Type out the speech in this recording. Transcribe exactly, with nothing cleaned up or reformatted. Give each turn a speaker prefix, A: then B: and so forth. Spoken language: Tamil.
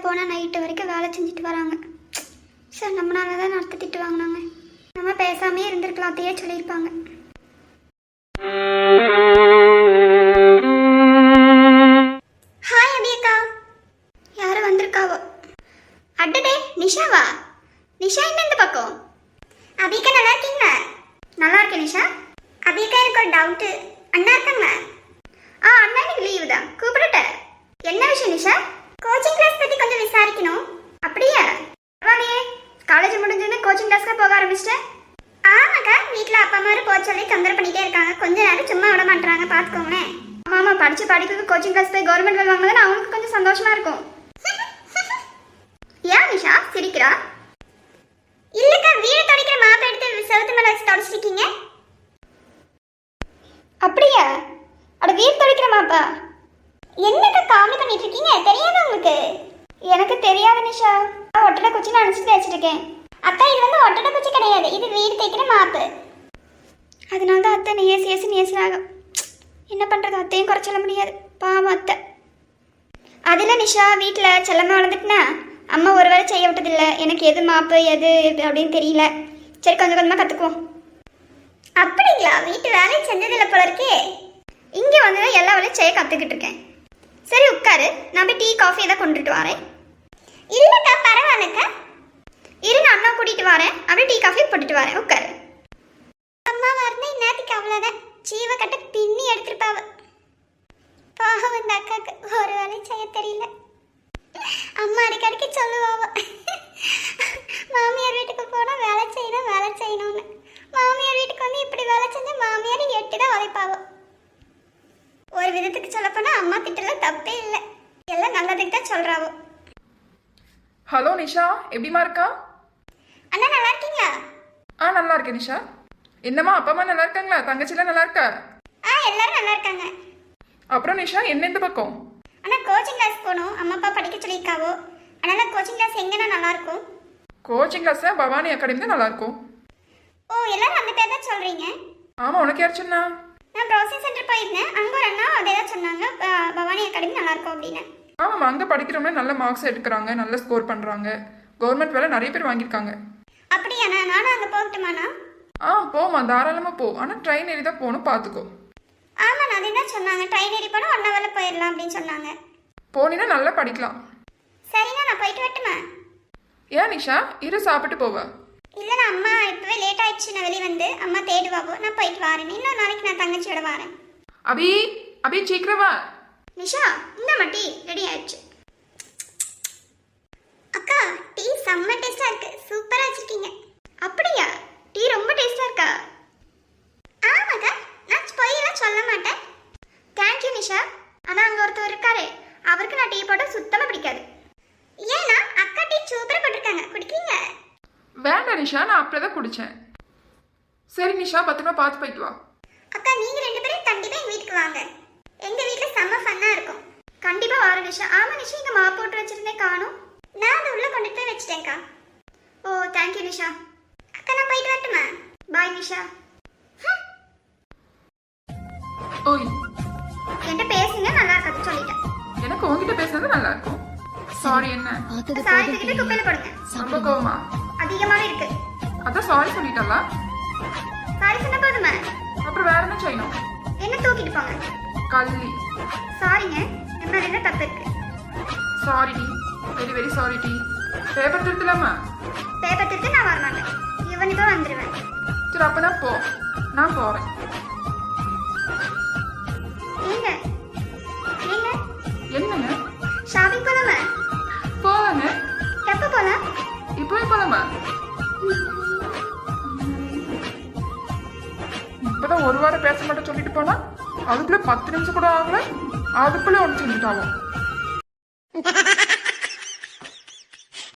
A: போனால் நைட்டு வரைக்கும் வேலை செஞ்சுட்டு வராங்க. சார் நம்மளால தான் நடத்த திட்டு வாங்கினாங்க. நம்ம பேசாமே இருந்திருக்கலாம், அதையே சொல்லியிருப்பாங்க. ஹாய் அபியக்கா. யாரும் வந்திருக்காவோ? அட்டடே நிஷாவா? நிஷா என்ன இந்த பக்கம்? அபிகா நல்லா இருக்கீங்களா? நல்லா இருக்கேன் நிஷா. அபிகா எனக்கு ஒரு டவுட்டு. அண்ணா இருக்காங்களா? ஆ அண்ணா எனக்கு லீவு தான், கூப்பிடட்டேன். என்ன விஷயம் நிஷா? கோச்சிங் கிளாஸ் பற்றி கொஞ்சம் விசாரிக்கணும். அப்படியா? பரவாயில்லையே, காலேஜ் முடிஞ்சோன்னு கோச்சிங் கிளாஸ்க்கு போக ஆரம்பிச்சிட்டேன். ஆமாக்கா, வீட்டில் அப்பா அம்மா போக சொல்லி தொந்தரவு பண்ணிட்டே இருக்காங்க. கொஞ்ச நேரம் சும்மா விட மாட்டாங்க, பார்த்துக்கோங்களேன். ஆமாம் ஆமாம், படித்த படிப்புக்கு கோச்சிங் கிளாஸ் போய் கவர்மெண்ட் வேலை வாங்கினதுன்னு அவங்களுக்கு கொஞ்சம் சந்தோஷமா இருக்கும். ஏன் நிஷா சிரிக்கிறா? இல்லக்கா, வீடு துடைக்கிற மாப்பை எடுத்து செவத்து மேலே வச்சு தொடச்சிருக்கீங்க. அப்படியா? அட வீடு துடைக்கிற மாப்பா? என்னக்கா காமெடி பண்ணிட்டு இருக்கீங்க? தெரியாத உங்களுக்கு? எனக்கு தெரியாது நிஷா, ஒட்டடை குச்சி நான் நினச்சிட்டு வச்சிருக்கேன். அக்கா இது வந்து ஒட்டடை குச்சி கிடையாது, இது வீடு தைக்கிற மாப்பு. அதனால தான் அத்தை நேசி ஏசி நேசினாக. என்ன பண்ணுறது, அத்தையும் குறை சொல்ல முடியாது, பாவம் அத்தை. அதில் நிஷா வீட்டில் செல்லமாக வளர்ந்துட்டுனா அம்மா ஒரு வேளை செய்ய விட்டதில்லை. எனக்கு எது மாப்பு எது அப்படின்னு தெரியல. சரி கொஞ்சம் கொஞ்சமாக கற்றுக்குவோம். அப்படிங்களா? வீட்டு வேலையும் செஞ்சதில்லை போல இருக்கே. இங்கே வந்து தான் எல்லா வேலையும் செய்ய கற்றுக்கிட்டு இருக்கேன். சரி உட்காரு, நான் போய் டீ காஃபி எதாவது கொண்டுட்டு வரேன். இல்லைக்கா பரவாயில்லக்கா, இரு நான் அண்ணா கூட்டிகிட்டு வரேன், அப்படியே டீ காஃபி போட்டுட்டு வரேன். உட்காரு. அம்மா வரணும் இன்னத்துக்கு அவ்வளோதான். சீவ கட்ட பின்னி எடுத்துருப்பாவ. பாவம் இந்த அக்காவுக்கு ஒரு வேலையும் செய்ய தெரியல. அம்மா அடிக்கடிக்கு சொல்லுவாவ, மாமியார் வீட்டுக்கு போனால் வேலை செய்யணும் வேலை செய்யணும்னு. மாமியார் வீட்டுக்கு வந்து இப்படி வேலை செஞ்சு மாமியார் எட்டு தான் உழைப்பாவோ. ஒரு விதத்துக்கு சொல்லப்போனா அம்மா திட்டல தப்பே இல்லை, எல்லாம் நல்லதுக்கு தான் சொல்றாவோ.
B: ஹலோ நிஷா, எப்படிமா இருக்கா?
A: அண்ணா நல்லா இருக்கீங்களா?
B: ஆ நல்லா இருக்கேன் நிஷா. என்னம்மா அப்பா அம்மா நல்லா இருக்காங்களா? தங்கச்சிலாம் நல்லா இருக்கா?
A: ஆ எல்லாரும் நல்லா இருக்காங்க.
B: அப்புறம் நிஷா என்ன இந்த பக்கம்?
A: அண்ணா கோச்சிங் கிளாஸ் போகணும், அம்மா அப்பா படிக்க சொல்லியிருக்காவோ. அதனால கோச்சிங் கிளாஸ் எங்கன்னா நல்லா இருக்கும்?
B: கோச்சிங் கிளாஸ் பவானி அகாடமி தான் நல்லா இருக்கும்.
A: ஓ எல்லாரும் அந்த பேர் தான் சொல்றீங்க?
B: ஆமா, உனக்கு யார் சொன்னா?
A: நான் ப்ரௌசிங் சென்டர் போயிருந்தேன், அங்கே ஒரு அண்ணா அதே தான் சொன்னாங்க, பவானி அகாடமி நல்லா இருக்கும் அப்படின்னு.
B: ஆமாம், அங்கே படிக்கிறவங்க நல்ல மார்க்ஸ் எடுக்கிறாங்க, நல்ல ஸ்கோர் பண்ணுறாங்க, கவர்மெண்ட் வேலை நிறைய பேர் வாங்கியிருக்காங்க.
A: அப்படியாண்ணா? நானும் அங்கே போகட்டுமாண்ணா?
B: ஆ போமா, தாராளமாக போ. ஆனால் ட்ரெயின் ஏறி தான் போகணும், பார்த்துக்கோ.
A: ஆமாண்ணா, அதே தான் சொன்னாங்க, ட்ரெயின் ஏறி போனால் ஒன் ஹவரில் போயிடலாம் அப்படின்னு சொன்னாங்க.
B: போனீங்கன்னா நல்லா படிக்கலாம்.
A: சரிண்ணா, நான் போயிட்டு வரட்டுமா?
B: ஏன் நிஷா, இரு சாப்பிட்டு போவா?
A: இல்லைண்ணா, அம்மா இப்போவே லேட் ஆயிடுச்சு, நான் வெளியே வந்து அம்மா தேடுவாவோ, நான் போயிட்டு வரேன். இன்னொரு நாளைக்கு நான் தங்கச்சியோட வரேன்.
B: அபி அபி சீக்கிரமா.
A: நிஷா இந்த மட்டி ரெடி ஆயிடுச்சு. அக்கா டீ செம்ம டேஸ்டா இருக்கு, சூப்பரா வச்சிருக்கீங்க. அப்படியா? டீ ரொம்ப டேஸ்டா இருக்கா? ஆமாக்கா, நான் பொய்யெல்லாம் சொல்ல மாட்டேன். தேங்க்யூ நிஷா. ஆனால் அங்கே ஒருத்தர் இருக்காரு, அவருக்கு நான் டீ போட்டால் சுத்தமாக பிடிக்காது. ஏன்னா அக்கா டீ சூப்பராக போட்டிருக்காங்க, குடிக்கீங்க?
B: வேண்டாம் நிஷா, நான் அப்படியே தான் குடித்தேன். சரி நிஷா, பத்திரமா பார்த்து போயிட்டு வா.
A: அக்கா நீங்க ரெண்டு பேரும் கண்டிப்பா எங்க வீட்டுக்கு வாங்க, எங்க வீட்டுல செம்ம ஃபன்னா இருக்கும். கண்டிப்பா வர நிஷா. ஆமா நிஷா, இங்க மா போட்டு வச்சிருந்தேன் காணும், நான் அதை உள்ள கொண்டு போய் வச்சிட்டேன்க்கா. ஓ தேங்க்யூ நிஷா. அக்கா நான் போயிட்டு வரட்டுமா? பாய் நிஷா.
B: ஓய்
A: என்கிட்ட பேசுங்க, நல்லா இருக்காது சொல்லிட்டேன்.
B: எனக்கு உங்ககிட்ட பேசுறது நல்லா இருக்கும். சாரி. என்ன
A: சாரி தூக்கிட்டு குப்பையில போடுங்க.
B: ரொம்ப கோவமா?
A: அதிகமாவே இருக்கு.
B: அதான் சாரி சொல்லிட்டல.
A: சாரி சொன்ன போதுமா?
B: அப்புறம் வேற என்ன செய்யணும்?
A: என்ன தூக்கிட்டு போங்க.
B: கள்ளி.
A: சாரிங்க, நம்ம என்ன தப்பு இருக்கு?
B: சாரி டி, வெரி வெரி சாரி டி. பேப்பர் திருத்தலாமா?
A: பேப்பர் திருத்த நான் வரமாட்டேன், இவன் இப்போ வந்துடுவேன்.
B: சரி அப்பனா போ, நான் போறேன்.
A: ஏங்க ஏங்க
B: என்னங்க?
A: ஷாப்பிங் போலாமா?
B: போலாங்க.
A: எப்போ போலாம்?
B: இப்போவே போலாமா? இப்பதான் ஒரு வாரம் பேச மாட்டேன் சொல்லிட்டு போனா, அதுக்குள்ள பத்து நிமிஷம் கூட ஆகல, அதுக்குள்ள ஒன்று செஞ்சுட்டாவும்.